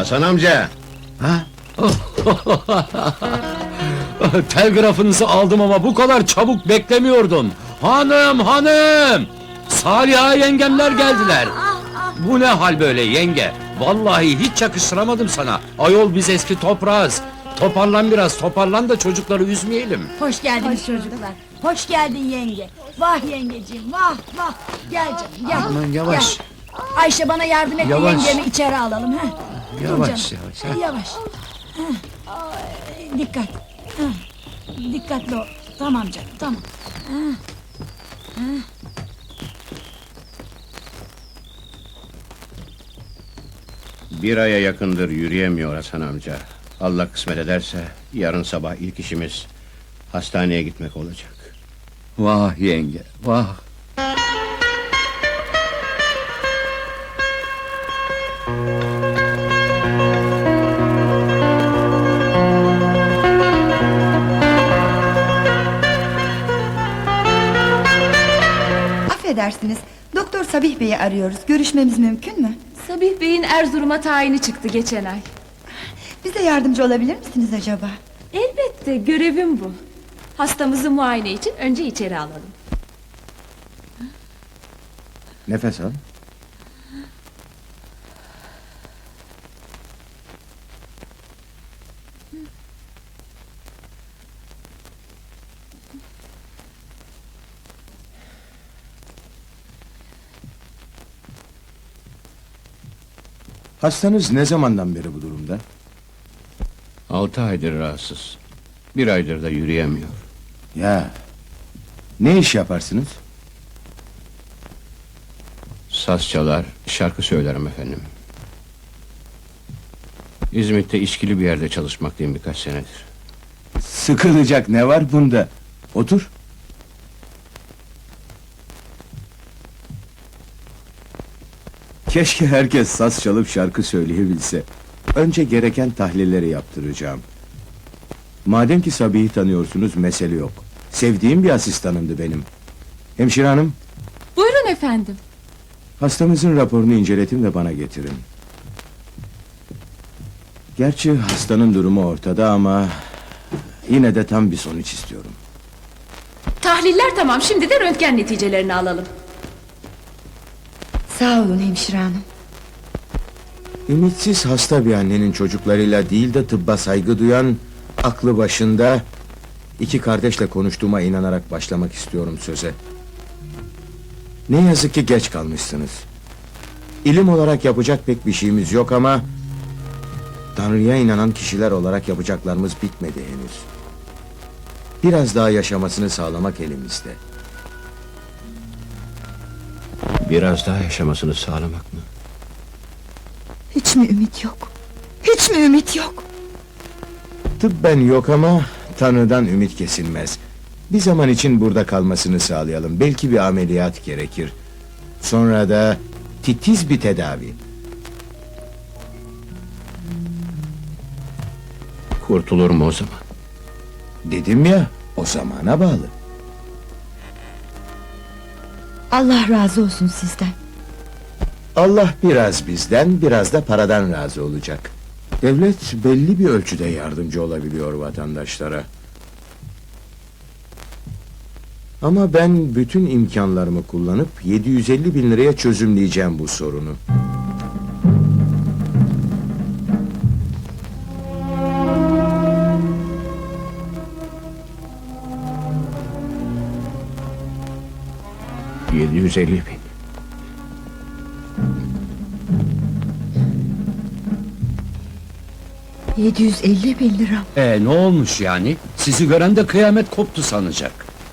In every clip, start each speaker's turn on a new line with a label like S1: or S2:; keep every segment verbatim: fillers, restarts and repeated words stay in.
S1: Hasan amca!
S2: Ha?
S3: Telgrafınızı aldım ama bu kadar çabuk beklemiyordum. Hanım, hanım! Saliha yengemler geldiler. Bu ne hal böyle yenge? Vallahi hiç yakıştıramadım sana. Ayol biz eski toprağız. Toparlan biraz, toparlan da çocukları üzmeyelim.
S4: Hoş geldiniz çocuklar. Hoş geldin yenge. Vah yengeciğim, vah vah. Gel canım, gel.
S2: Aman yavaş.
S4: Gel. Ayşe bana yardım et de
S2: Yavaş.
S4: yengemi içeri alalım. Ha? Dur
S2: Yavaş,
S4: canım.
S2: yavaş, ha.
S4: Yavaş. Ha. Ay, dikkat. Ha. Dikkatli ol. Tamam canım, tamam.
S1: Bir aya yakındır yürüyemiyor Hasan amca. Allah kısmet ederse yarın sabah ilk işimiz hastaneye gitmek olacak.
S3: Vah yenge, vah!
S5: Affedersiniz, Doktor Sabih Bey'i arıyoruz. Görüşmemiz mümkün mü?
S6: Sabih Bey'in Erzurum'a tayini çıktı geçen ay.
S5: Bize yardımcı olabilir misiniz acaba?
S6: Elbette, görevim bu. Hastamızı muayene için önce içeri alalım.
S2: Nefes al. Hastanız ne zamandan beri bu durumda?
S1: Altı aydır rahatsız. Bir aydır da yürüyemiyor.
S2: Ya, ne iş yaparsınız?
S1: Saz çalar, şarkı söylerim efendim. İzmit'te işkili bir yerde çalışmaktayım birkaç senedir.
S2: Sıkılacak ne var bunda? Otur. Keşke herkes saz çalıp şarkı söyleyebilse. Önce gereken tahlilleri yaptıracağım. Madem ki Sabih'i tanıyorsunuz, mesele yok. Sevdiğim bir asistanımdı benim. Hemşire hanım,
S6: Buyurun efendim.
S2: hastamızın raporunu inceletin ve bana getirin. Gerçi hastanın durumu ortada ama yine de tam bir sonuç istiyorum.
S6: Tahliller tamam, şimdi de röntgen neticelerini alalım.
S5: Sağ olun hemşire hanım.
S2: Ümitsiz hasta bir annenin çocuklarıyla değil de tıbba saygı duyan, aklı başında iki kardeşle konuştuğuma inanarak başlamak istiyorum söze. Ne yazık ki geç kalmışsınız. İlim olarak yapacak pek bir şeyimiz yok ama Tanrı'ya inanan kişiler olarak yapacaklarımız bitmedi henüz. Biraz daha yaşamasını sağlamak elimizde.
S1: Biraz daha yaşamasını sağlamak mı?
S5: Hiç mi ümit yok? Hiç mi ümit yok?
S2: Tıbben yok ama Tanrı'dan ümit kesilmez. Bir zaman için burada kalmasını sağlayalım. Belki bir ameliyat gerekir. Sonra da titiz bir tedavi.
S1: Kurtulur mu o zaman?
S2: Dedim ya, o zamana bağlı.
S5: Allah razı olsun sizden.
S2: Allah biraz bizden, biraz da paradan razı olacak. Devlet belli bir ölçüde yardımcı olabiliyor vatandaşlara. Ama ben bütün imkanlarımı kullanıp yedi yüz elli bin liraya çözümleyeceğim bu sorunu.
S1: Yedi yüz elli bin.
S5: Yedi yüz elli bin lira.
S3: E ne olmuş yani? Sizi gören de kıyamet koptu sanacak.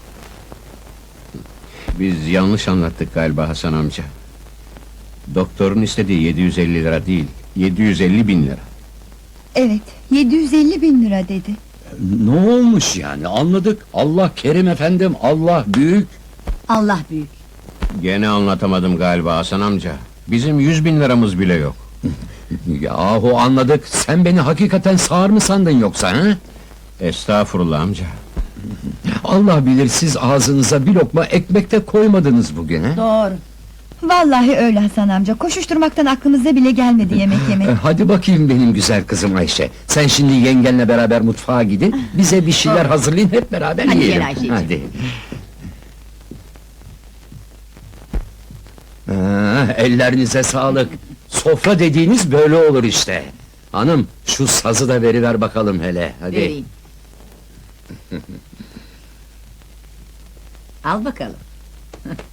S1: Biz yanlış anlattık galiba Hasan amca. Doktorun istediği yedi yüz elli lira değil, yedi yüz elli bin lira.
S5: Evet, yedi yüz elli bin lira dedi.
S3: Ne olmuş yani? Anladık. Allah kerim efendim, Allah büyük.
S4: Allah büyük.
S1: Gene anlatamadım galiba Hasan amca. Bizim yüz bin liramız bile yok.
S3: Yahu anladık. Sen beni hakikaten sağır mı sandın yoksa ha?
S1: Estağfurullah amca.
S3: Allah bilir siz ağzınıza bir lokma ekmek de koymadınız bugün ha?
S4: Doğru.
S5: Vallahi öyle Hasan amca. Koşuşturmaktan aklımıza bile gelmedi yemek yemek.
S3: E, Hadi bakayım benim güzel kızım Ayşe. Sen şimdi yengenle beraber mutfağa gidin. Bize bir şeyler hazırlayın, hep beraber
S4: Hadi gel
S3: yiyelim.
S4: Ayşeciğim.
S3: Hadi. Ah, ellerinize sağlık. Sofra dediğiniz böyle olur işte. Hanım, şu sazı da veriver bakalım hele. Hadi.
S4: Vereyim. Al bakalım.